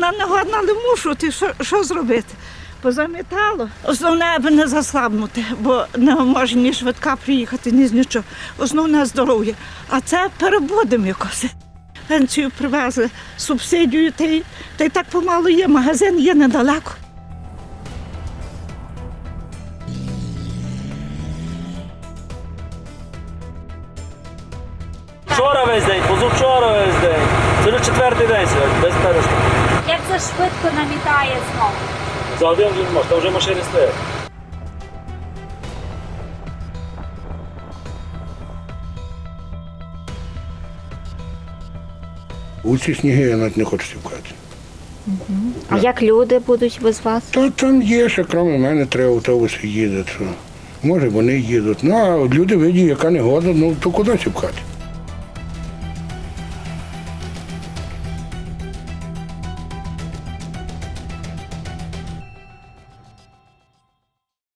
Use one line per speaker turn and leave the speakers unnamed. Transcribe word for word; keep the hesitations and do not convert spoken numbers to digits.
вона не годна, але мушу, ти що, що зробити? Позамітало. Основне, аби не заслабнути, бо не може ні швидка приїхати, ні з нічого. Основне здоров'я. А це перебудемо якось. Пенсію привезли, субсидію, та й, та й так помалу є, магазин є недалеко.
Вчора весь день, позавчора весь день. Це вже четвертий день сьогодні, без перестанку.
Як це швидко намітає знову?
За один вже не може, там вже машини стоять.
У ці сніги я навіть не хочу сівкати.
А як люди будуть без вас?
Та там є, ще крім мене, три автобуси їдуть. Що. Може вони їдуть. Ну, а люди видять, яка негода, ну то куди сівкати?